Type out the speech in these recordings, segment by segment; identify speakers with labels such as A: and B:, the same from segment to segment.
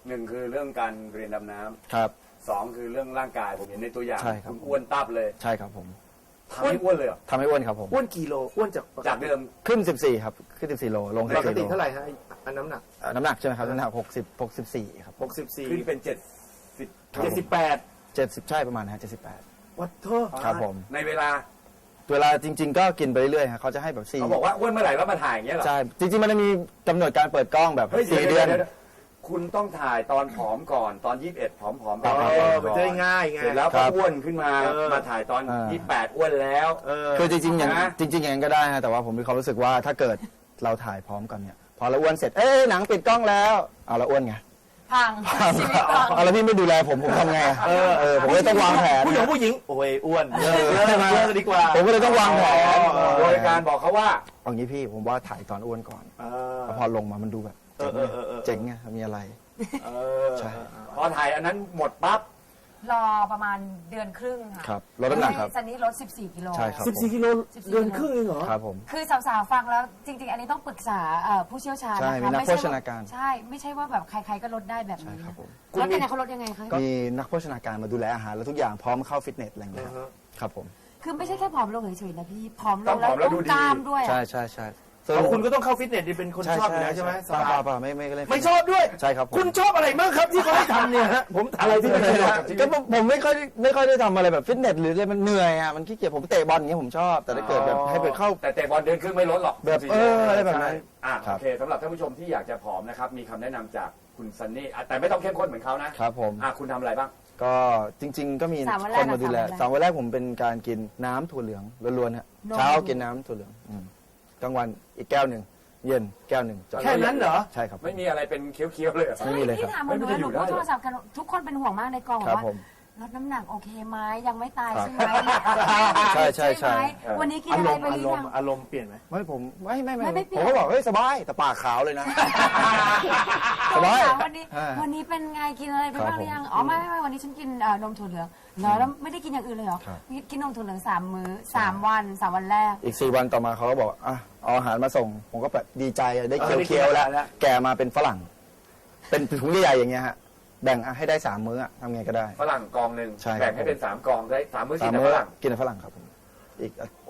A: 1คือเรื่องการเรียนดำน้ำ
B: ครับ
A: 2คือเรื่องร่างกายผมเห็นในตัวอย่าง
B: ใช่ครับ
A: คุณอ้วนตับเลย
B: ใช่ครับผม
A: ทำให้อ้วนเลยเหรอ
B: ทำให้อ้วนครับผม
C: อ้วนกี่โลอ้วนจาก
A: จากเดิม
B: ขึ้น 14 ครับ ขึ้น 14 โล ลง
C: ปก
B: 14
C: ติ
B: โล
C: เท่าไหร่ฮะอันน้ำหนัก
B: น้ำหนักใช่ไหมครับ น้ำหนัก64 ครับ
C: 64
A: ขึ้นเป็น
C: 78
B: 70 ใช่ประมาณนะฮะ78
C: วัดโทษ
B: ครับผม
A: ในเวลา
B: เวลาจริง ๆ ก็กินไปเรื่อยๆฮะเขาจะให้แบบ4
A: เขาบอกว่าอ้วนเมื่อไหร่แล้วมาถ่ายอย่างเงี้ยเหรอ
B: ใช่ จริง ๆ มันจะมีกำหนดการเปิดกล้องแบบ
A: เฮ้ย
B: 4 เดือน
A: ดี๋ยวคุณต้องถ่ายตอนผอมก่อนตอน21ผอมๆไป
C: มันจะได้ง่ายไง
A: เสร็จแล้ว
B: ครั
A: ก็
B: บ
A: อ้วนขึ้นมา มาถ่ายตอน 28อ้วนแล้ว
B: คือจริงๆอย่าง
A: นะ
B: จริงๆอย่างนั้นก็ได้ฮะแต่ว่าผมมีความรู้สึกว่าถ้าเกิดเราถ่ายพร้อมกันเนี่ยพอเราอ้วนเสร็จหนังปิดกล้องแล้วเอาเราอ้วนไง
D: พังชีวิตพัง
B: เอาแล้วพี่ไม่ดูแลผมทำไงอะผมเลยต้องวางแผน
C: ผู้หญิงโอ้ยอ้วน
B: ใช่ไหม
C: อ้วนดีกว่า
B: ผมก็เลยต้องวางแผน
A: โดยการบอกเขาว่า
B: เอางี้พี่ผมว่าถ่ายตอนอ้วนก่อนแล้วพอลงมามันดูแบบเจ๋งไงมีอะไรใช่
A: พอถ่ายอันนั้นหมดปั๊บ
D: รอประมาณเดือนครึ่งค่ะ
B: ครับลดน้ำหนักครับ
D: ซันนี่ลด 14 กิโล
B: ใช่ครับ
C: 14 กิโลเดือนครึ่งเองเหรอ
B: ครับผม
D: คือสาวๆฟังแล้วจริง ๆ อันนี้ต้องปรึกษาผู้เชี่ยวชาญ
B: ใช่
D: นะคะ
B: มีนัก
D: ไม่ใช่
B: โภชนาการ
D: ใช่ ไม่ใช่ว่าแบบใครๆก็ลดได้แบบ
B: ใช่
D: นี้
B: ครับผม
D: แล้วเป็นไงเขาลดยังไงคะ
B: มีนักโภชนาการมาดูแลอาหารแล้วทุกอย่างพร้อมเข้าฟิตเนสอะไรอย่างเงี้ยครับผม
D: คือไม่ใช่แค่ผอมลงเฉยๆนะพี่ผอมล
A: ต้อง
D: ง
A: ผ
D: แล้ว
A: อมแล้ว
D: ต้
A: ดู
D: อง
A: ดี
D: กล้ามด้วยอะ
B: ใช่
C: คุณก็ต้องเข้าฟิตเนสดิเป็นคนชอบอยู่แล้วใช่ไหม
B: เปล่าไม่เล่น
C: ไม่ชอบด้วย
B: ใช่ครับผม
C: คุณชอบอะไรบ้างครับที่เขาให้ทำเนี่ยฮะผมถาม
A: อะไรที่ไม่ประโยชน์กับชีวิ
B: ก็
A: ต
B: ผมไม่ค่อยได้ทำอะไรแบบฟิตเนสหรืออะไรมันเหนื่อยอ่ะมันขี้เกียจผมเตะบอลอย่างเงี้ยผมชอบแต่ถ้าเกิดแบบให้ไปเข้า
A: แต่เตะบอลเดือนครึ่งไม่ลดหรอก
B: แบบ อะไรแบบนั้น
A: โอเคสำหรับท่านผู้ชมที่อยากจะผอมนะครับมีคำแนะนำจากคุณซันนี่แต่ไม่ต้องเข้มข้นเหมือนเขานะครับ
B: ผม
A: คุณทำอะไรบ้าง
B: ก็จริง ๆ ก็มี
D: สามวันแร
B: ค
D: ก
B: นมาดูแล
D: กับ
B: สามวันแรกผมเป็นการกินน้ำถั่วเหลืองล้วนๆฮะ
D: นม
B: เช้ากินน้ำถั่วเหลืองกลางวันอีกแก้วหนึ่งเย็นแก้วหนึ่ง
C: แค่นั้นเหรอ
B: ใช่ครับ
A: ไม่มีอะไรเป็นเคี้ยวๆเลยเหรอ
B: ไม่มีเลยครับ
D: ที่ถามมาดู
A: ไม่มี
D: หนู
A: อยู่ได้
D: พูดโทรศัพท์กันทุกคนเป็นห่วงมากในกองบ
B: ครั
D: อบ กว่า
B: ผม
D: ลดน้ำหนักโอเคไหมยังไม่ตาย
B: ครับ
D: ใช่ไหม
B: ใช่
D: ไหมวันนี้กินอะไรไปหรือยัง
C: อารมณ์เปลี่ยนไหม
B: ไม่ผมไม่
D: ไม่เปลี่ยน
B: ผมก็บอกเฮ้ยสบายแต่ปากขาวเลยนะ สบาย
D: ถามวันนี้เป็นไงกินอะไรไปบ้างหรือยังอ๋อไม่วันนี้ฉันกินนมถั่วเหลืองเหรอแล้วไม่ได้กินอย่างอื่นเลยเหรอ
B: ครับ
D: กินนมถั่วเหลือง3 มื้อ3 วัน3 วันแรก
B: อีก4 วันต่อมาเขาก็บอกอ่ะเอาอาหารมาส่ง ผมก็แบบดีใจได้เคี้ยวๆแล้ว แกมาเป็นฝรั่ง เป็นถุงใหญ่ๆอย่างเงี้ยฮะแบ่งให้ได้3 มื้อทำไงก็ได้
A: ฝรั่งกองหนึ่ง
B: ใช่ครับ
A: แบ่งให้เป็น3กองได้3มื้อกิ
B: 3
A: นแต่
B: มื้
A: ฝ
B: อ
A: รั่ง
B: กินแต่ฝรั่งครับผมอีก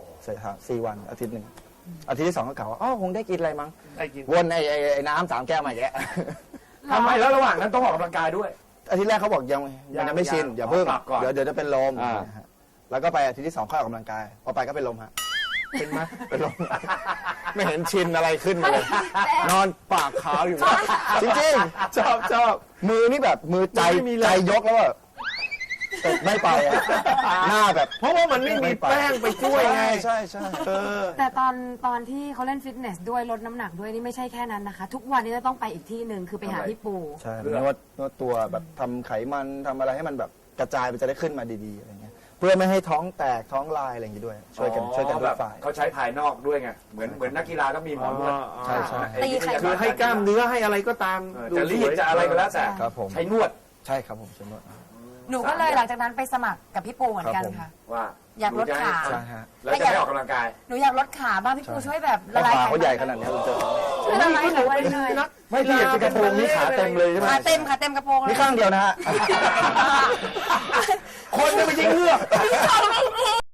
B: 4 วันอาทิตย์หนึ่งอาทิตย์ที่ 2ก็กล่าวว่าอ๋อคงได้กินอะไรมั้ง
C: ได้กิน
B: วนไอ้น้ำ3 แก้วมาอีกแล้ว
A: ทำไมแล้วระหว่างนั้นต้องออกกำลังกายด้วย
B: อาทิตย์แรกเขาบอกยังไม่ชินอย่าเพิ่ง
A: ปรับก่อน
B: เดี๋ยวจะเป็นลม
A: อ่า
B: นะฮะแล้วก็ไปอาทิตย์ที่ 2ค่อยออกกำลังกายพอไปก็เป็นลมฮะ
C: เป็นไหม
B: เป็นลม ไม่เห็นชินอะไรขึ้นมาเลย นอนปากขาวอยู่นะจริงๆชอบมือนี่แบบมือใจยกแล้วแบบแต่ไม่ไปอะหน้าแบบ
C: เพราะว่ามันไม่มีแป้งไปช่วยไง
B: ใช่
D: แต่ตอนที่เขาเล่นฟิตเนสด้วยลดน้ำหนักด้วยนี่ไม่ใช่แค่นั้นนะคะ ทุกวันนี้จะต้องไปอีกที่หนึ่งคือไปหาพี่ปู
B: ใช่นวดตัวแบบทำไขมันทำอะไรให้มันแบบกระจายไปจะได้ขึ้นมาดีๆอะไรเงี้ยเพื่อไม่ให้ท้องแตกท้องลายอะไรอย่างงี้ด้วย ช่วยกันทุ
A: แบ
B: ก
A: บ
B: ฝ่าย
A: เขาใช้ภายนอกด้วยไงเหมือนนักกีฬาต้องมีหมอนวด
B: ใช่ใช่
D: ตีไข่
C: คือให้กล้ามเนื้อให้อะไรก็ตาม
A: จะรีดจะอะไรก็แล้วแต่
B: ครับผม
A: ใช้นวด
B: ใช่ครับผมใช้นวด
D: หนูก็เลยหลังจากนั้นไปสมัครกับพี่ปูเหมือนกันค่ะ
A: ว่า
D: อยากลดขา
B: ใช่ฮะ
A: แล้วจะไม่ออกกำลังกาย
D: หนูอยากลดขาบ้างพี่ปูช่วยแบบละ
B: ขา
D: ลายไข
B: เขาใหญ่ขนาดนี้เราเจอ
D: ช่วยละลายไขมันเลย
A: ไม่ที่เห็นเป็นกระโปรงนี่ขาเต็มเลยใช่ไหม
D: ขาเต็มกระโปรงเลย
B: นี่ข้างเดียวนะฮะ
C: คนจะไม่ใช่เงือก